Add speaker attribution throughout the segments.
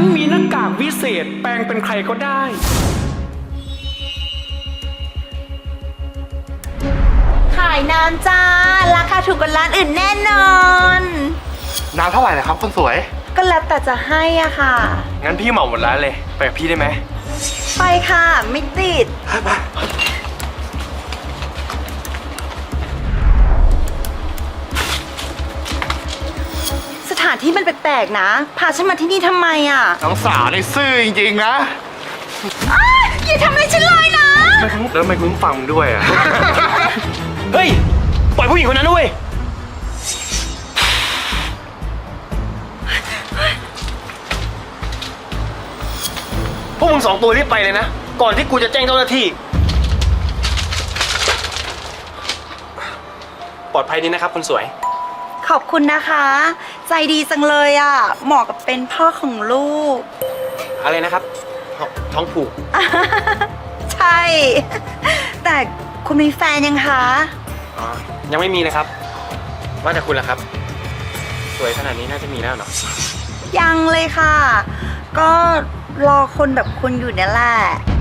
Speaker 1: นมีหน้ากากวิเศษแปลงเป็นใครก็ได้
Speaker 2: ขายน้ำจ้าราคาถูกกว่าร้านอื่นแน่นอน
Speaker 3: น้ำเท่าไหร่นะครับคนสวย
Speaker 2: ก็แล้วแต่จะให้อ่ะค่ะ
Speaker 3: งั้นพี่เหมาหมดร้านเลย ไปกับพี่ได้ไหม
Speaker 2: ไปค่ะไม่ติด
Speaker 3: ไป
Speaker 2: สถานที่มันแปลกๆนะ พาฉันมาที่นี่ทำไมอ่ะ
Speaker 3: น้องสาวในซื่อจริงๆนะ
Speaker 2: อ้ายอย่าทำอะไรฉันเลยนะ
Speaker 3: แล้วทำไมคุณฟังด้วยอ่ะ
Speaker 1: เฮ้ย ปล่อยผู้หญิงคนนั้นด้วยพวกมึงสองตัวรีบไปเลยนะ ก่อนที่กูจะแจ้งเจ้าหน้าที่ ปลอดภัยดีนะครับคนสวย
Speaker 2: ขอบคุณนะคะ ใจดีจังเลยอ่ะ เหมาะกับเป็นพ่อของลูก
Speaker 1: อะไรนะครับ ท้องผูก
Speaker 2: ใช่ แต่คุณมีแฟนยังคะ
Speaker 1: อ๋อ ยังไม่มีนะครับ ว่าแต่คุณล่ะครับ สวยขนาดนี้น่าจะมีแล้วเนาะ
Speaker 2: ยังเลยค่ะ ก็รอคนแบบคุณอยู่เนี่ยแหละ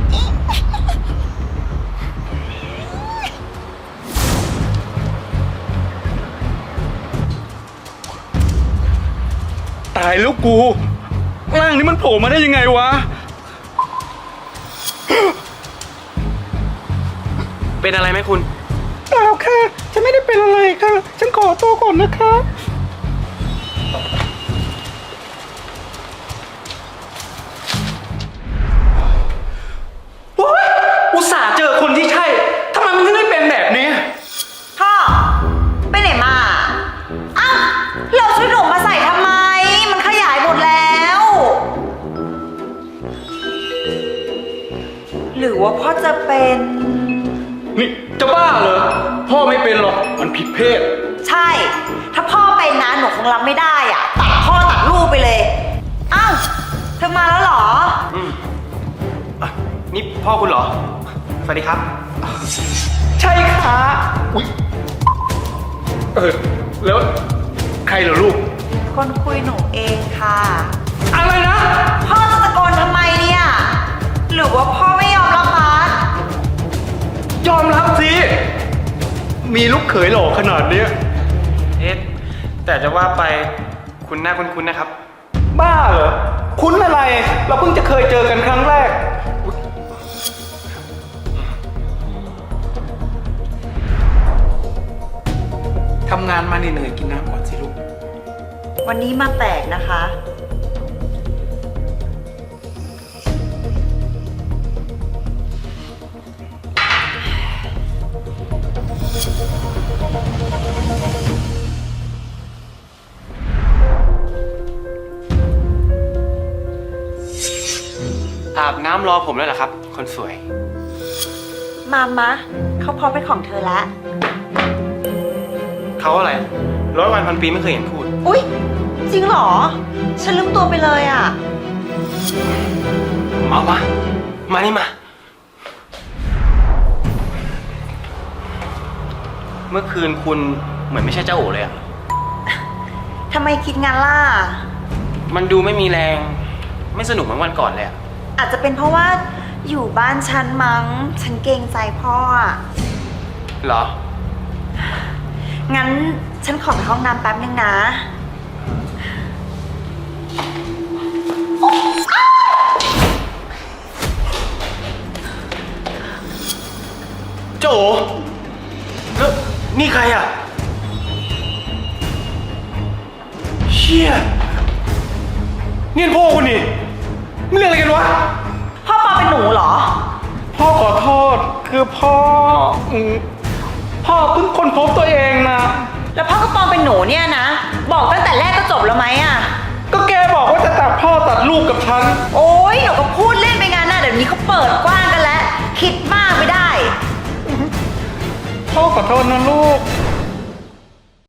Speaker 1: ตายแล้วกู ร่างนี้มันโผล่มาได้ยังไงวะ เป็นอะไรไหมคุณ
Speaker 4: เปล่าค่ะ ฉันไม่ได้เป็นอะไรค่ะ ฉันขอตัวก่อนนะคะ
Speaker 1: โอ๊ยอุตส่าห์เจอคนที่ใช่ ทำไมมันถึงได้เป็นแบบนี้
Speaker 2: พ่อ ไปไหนมา อ้าวเราชุดหนูมาใส่ทำไม มันขยายหมดแล้ว หรือว่าพ่อจะเป็น
Speaker 1: นี่จะบ้าเหรอ พ่อไม่เป็นหรอก มันผิดเพศ
Speaker 2: ใช่ ถ้าพ่อเป็นนะหนูคงรับไม่ได้อ่ะ ตัดพ่อตัดลูกไปเลย อ้าวเธอมาแล้วเหรอ
Speaker 1: นี่พ่อคุณเหรอ สวัสดีครับ ใช่ค่ะอุ๊ยแล้วใครเหรอลูก
Speaker 2: คนคุยหนูเองค่ะ
Speaker 1: อะไรนะ
Speaker 2: พ่อจะตะโกนทำไมเนี่ย หรือว่าพ่อไม่ยอมรับบาส
Speaker 1: ยอมรับสิ มีลูกเขยหล่อขนาดเนี้ยเอ๊ะแต่จะว่าไปคุณหน้าคุ้นๆนะครับ บ้าเหรอ คุ้นอะไร เราเพิ่งจะเคยเจอกันครั้งแรก
Speaker 4: ทำงานมาเหนื่อยๆกินน้ำก่อนสิลูก
Speaker 2: วันนี้มาแปลกนะคะ
Speaker 1: อาบน้ำรอผมแล้วเหรอครับ คนสวย
Speaker 2: มะเขาพร้อมเป็นของเธอแล้ว
Speaker 1: เขาอะไร100 วันพันปีไม่เคยเห็นพูด
Speaker 2: อุ๊ย จริงเหรอ ฉันลืมตัวไปเลยอ่ะ
Speaker 1: มานี่มา เมื่อคืนคุณเหมือนไม่ใช่เจ้าโอเลยอะ
Speaker 2: ทำไมคิดงั้นล่ะ
Speaker 1: มันดูไม่มีแรง ไม่สนุกเหมือนวันก่อนเลยอะ
Speaker 2: อาจจะเป็นเพราะว่าอยู่บ้านฉันมั้ง ฉันเกรงใจพ่ออ่ะ
Speaker 1: เหรอ
Speaker 2: งั้นฉันขอไปห้องน้ำแป๊บนึงนะ
Speaker 1: เจ้าโอแล้วนี่ใครอะเชี่ยนี่พ่อคุณนี่ไม่เรื่องอะไรกันวะ
Speaker 2: พ่อปอเป็นหนูเหรอ
Speaker 4: พ่อขอโทษ คือพ่อพ่อเพิ่งค้นพบตัวเองนะ
Speaker 2: แล้วพ่อก็ปลอมเป็นหนูเนี่ยนะ บอกตั้งแต่แรกก็จบแล้วไหมอ่ะ
Speaker 4: ก็แกบอกว่าจะตัดพ่อตัดลูกกับฉัน
Speaker 2: โอ๊ยหนูก็พูดเล่นไปงั้นนะเดี๋ยวนี้เขาเปิดกว้างกันแล้ว คิดมากไม่ได้
Speaker 4: พ่อขอโทษนะลูก